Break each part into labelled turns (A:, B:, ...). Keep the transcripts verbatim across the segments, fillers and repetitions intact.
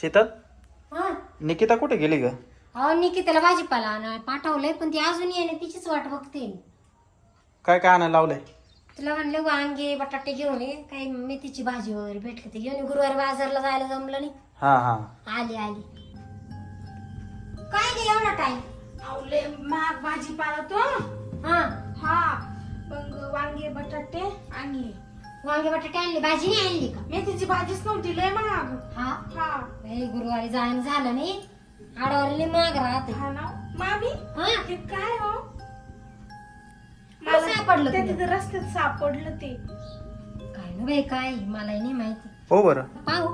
A: शीतल
B: हा
A: निकिता कुठे गेली ग?
B: अहो निकिताला भाजीपाला आणायला पाठवलंय पण ती अजून येणे तिचीच वाट बघते.
A: काय काय आणायला लावलंय?
B: तुला म्हणले वांगे बटाटे घेऊन ये, काही मेथीची भाजी वगैरे भेटली ते घेऊन ये. गुरुवारी बाजारला जायला जमलं नाही.
A: हा हा
B: आली आली. काय गे एवढा टाइम?
C: आवले महाग भाजीपाला तो.
B: हा
C: हा मग वांगे बटाटे आणि
B: वांगे बटाटे आणले, भाजी नाही आणली का?
C: मेथीची भाजीच नव्हती, लय महाग.
B: हा
C: हा
B: बाई, गुरुवारी जायला झालं नाही. आडवारीले माग राहते.
C: हा ना मामी.
B: हा
C: हे काय हो?
B: मला सापडलं
C: ते
B: तुला?
C: तिथे रस्त्यात सापडलं ते.
B: काय ना बाई, काय मलाही नाही माहिती.
A: हो बरं.
B: पाहू.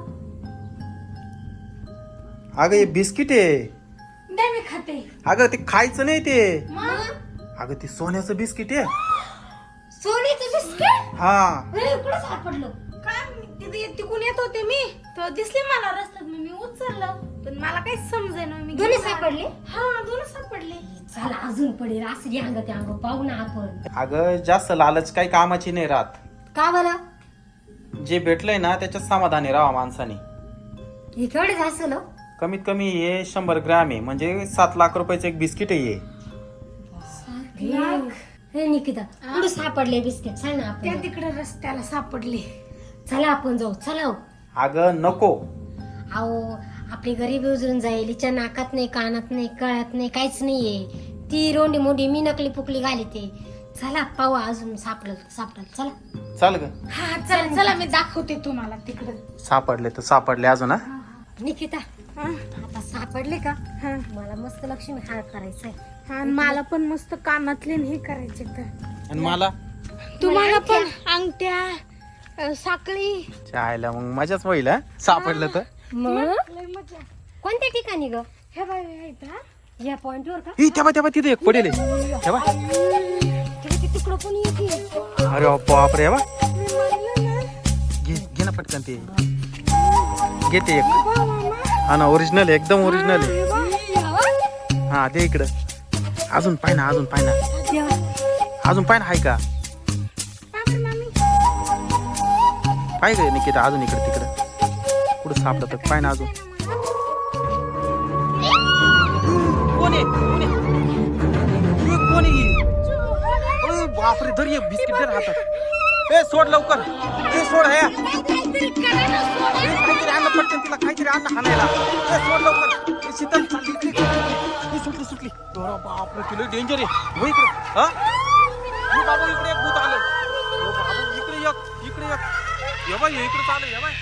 A: अगं हे बिस्किट आहे.
C: नाही मी खाते.
A: अगं ते खायचं नाही ते.
B: मग
A: अगं ते सोन्याचं बिस्किट आहे.
B: सोनीचं बिस्किट?
A: हा
B: अरे कुठं सापडलं?
C: काय तिथे तिकून येत होते मी, तर दिसले मला रस्त्यात, मग मी उचललं, पण मला काहीच समजेना. मी
B: दोन्ही
C: घेऊन आले.
B: सापडले?
C: हा दोन सापडले.
B: चला अजून पडेल असं अंग ते अंग पाहू ना आपण.
A: अगं जास्त लालच काही कामाची नाही राहत.
B: का बरं?
A: जे भेटलंय ना त्याच्यात समाधानी राहा माणसाने.
B: हे केवढे असेल हो?
A: कमीत कमी हे शंभर ग्रॅम आहे, म्हणजे सात लाख रुपयाचं एक बिस्किट आहे हे.
B: हे- हे निकिता कुठे सापडले बिस्किट? सांग ना
C: त्या
B: आपण.
C: तिकडे रस्त्याला सापडले.
B: चला आपण जाऊ. चला हो.
A: अगं नको.
B: अहो आपली गरीबी उजळून जाईल. हिच्या नाकात नाही, कानात नाही, कळत नाही, काहीच नाहीये. ती रोंडी मोडी मी नकली पुकली घालते. चला पाहू अजून सापडल सापडल. चला
A: चाल ग.
C: हा चला चला मी दाखवते तुम्हाला तिकडे.
A: सापडले तर सापडले अजून. हा
B: निकिता
C: हा
B: आता सापडले का?
C: हा
B: मला मस्त लक्ष्मी हार करायचंय.
C: हा आणि मला पण मस्त कानातले आणि हे करायचे तर.
A: आणि मला
C: तुम्हाला पण अंगठ्या, अ, साखळी.
A: चायला मग मजाच होईल. हा सापडलं तर.
B: मग
C: लय मजा.
B: कोणत्या ठिकाणी ग?
C: हे बाय आहेत हा.
B: या पॉइंट वर का?
A: ई तेव्हा तेव्हा तिथे एक पडेल आहे. तेव्हा
B: तिकडं पण येते.
A: अरे बापरे. हे बा.
C: मी म्हणलं ना.
A: घे घे ना पटकन ते. घेते एक.
C: बा मामा.
A: हा ना ओरिजिनल आहे, एकदम ओरिजिनल आहे.
C: हे बा.
A: हा दे इकडं. अजून पाय ना, अजून पाय ना, अजून पाय ना. हाय का?
C: बापरे मामी.
A: पाय गे निकिता अजून इकडे तिकडं कुठं सापडत पाय ना अजून. कोण आहे? कोण आहे? हे कोण आहे? ओय बापरे. धर ये बिस्किट दे हातात. ए सोड लवकर. ए सोड. हे ए, काहीतरी आणलं पटकन तिला, काहीतरी आणलं हाणायला. ए सोड लवकर. ए शीतल चालली इकडे. ए सुटली सुटली. अरे बापरे तुला डेंजर आहे. हो इकडे. हा हे बाबू इकडे एक भूत आलं. ओ बाबू इकडे एक, इकडे एक. ये बाय इकडे चालू. ये बाय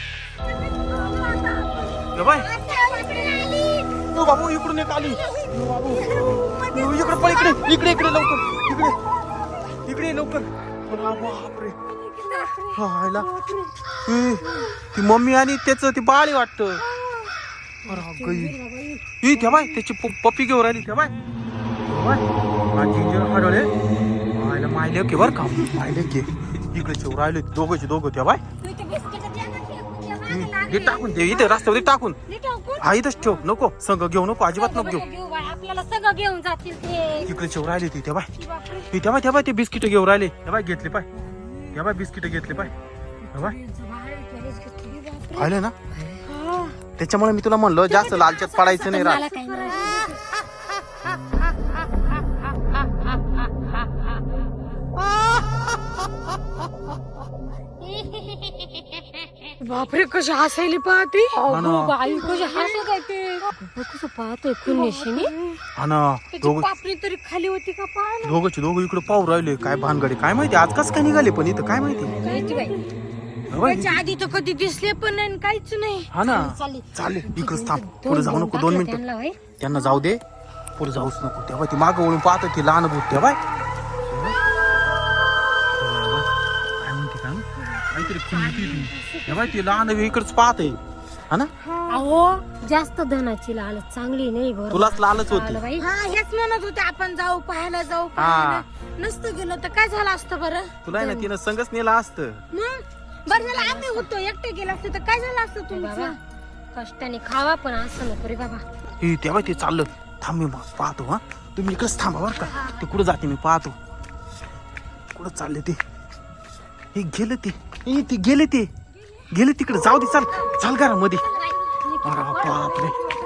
A: ये बाय. ओ बाबू इकडून एक आली. ओ बाबू ओ, इकडे पळ. इकडे इकडे इकडे लवकर. इकडे इकडे लवकर. अरे बापरे. हायला ए, ती मम्मी आणि त्याचं ती बाळी वाटतं. अरे गई. ई त्या बाय त्याची पप्पी घेऊन राहिली. त्या बाय जिंजर हडवले. मायला मायले की बर का. मायले की इकडे चेव राहिले दोघंचे दोघं. त्या बाय हे टाकून दे इथे रस्त्यावर टाकून. हा इथंच ठेव. नको संग घेऊ नको, अजिबात नको घेऊ.
B: आपल्याला सगळं घेऊन जातील ते.
A: इकडे चेव राहिले ती. त्या बाय ती त्या बाय त्या बाय ते बिस्किट घेऊन राहिले. त्या बाय घेतले पाय. त्या बाय बिस्किट घेतले पाय. त्या बाय पाहिले ना. त्याच्यामुळे मी तुला म्हणलो जास्त लालच्यात पडायचं नाही राहत.
B: मला काही नाही.
C: बापरे कशी हसायली पाहती.
A: हा ना.
B: बाई कशी हसत आहे ते. कसं पाहतोय कुणीशीने.
A: हा ना
C: त्याची
A: दोघं
C: पापणी तरी खाली होती का पाहा ना.
A: दोघंचे दोघं इकडे पाहू राहिले. काय भानगडी काय माहिती. आज कस काय निघाले पण इथं काय माहिती.
B: काहीच बाई.
A: हा बाई.
C: त्याच्या आधी तर कधी दिसले पण नाही आणि काहीच नाही.
A: हा ना
B: चालली.
A: चालेल इकडंच थांब. पुढे जाऊ नको दोन मिनिटं.
B: त्यांना होय.
A: त्यांना जाऊ दे. पुढे जाऊच नको. तेव्हा ती मागं वळून पाहत होती लहान भूत. तेव्हा काय म्हणते काय काहीतरी खुंटी. तेव्हा ती लहान इकडच पाहत आहे. हा ना
B: अहो जास्त धनाची लालच चांगली नाही. बरं
A: तुलाच लालच होती.
B: आलं बाई.
C: हा हेच म्हणत होते आपण जाऊ पाहायला जाऊ
A: हा
C: पाहायला. नसतं गेलं तर काय झालं असतं बरं.
A: तुला आहे ना तिनं संगच नेला असतं.
C: मग बरं झालं आम्ही होतो एकटे गेला असतो तर काय झालं असतं
B: बाबा
C: तुमचं.
B: कष्टाने खावा पण असं नको रे बाबा.
A: हे तेव्हा ते चाललं. थांब मी पाहतो. हा तुम्ही इकडेच थांबा बरं का. ते कुठं जाते मी पाहतो. कुठं चालले ते. हे गेले ते. ए, ते गेले ते गेले तिकडे. जाऊ दे. चाल चाल घरामध्ये. अरे बापरे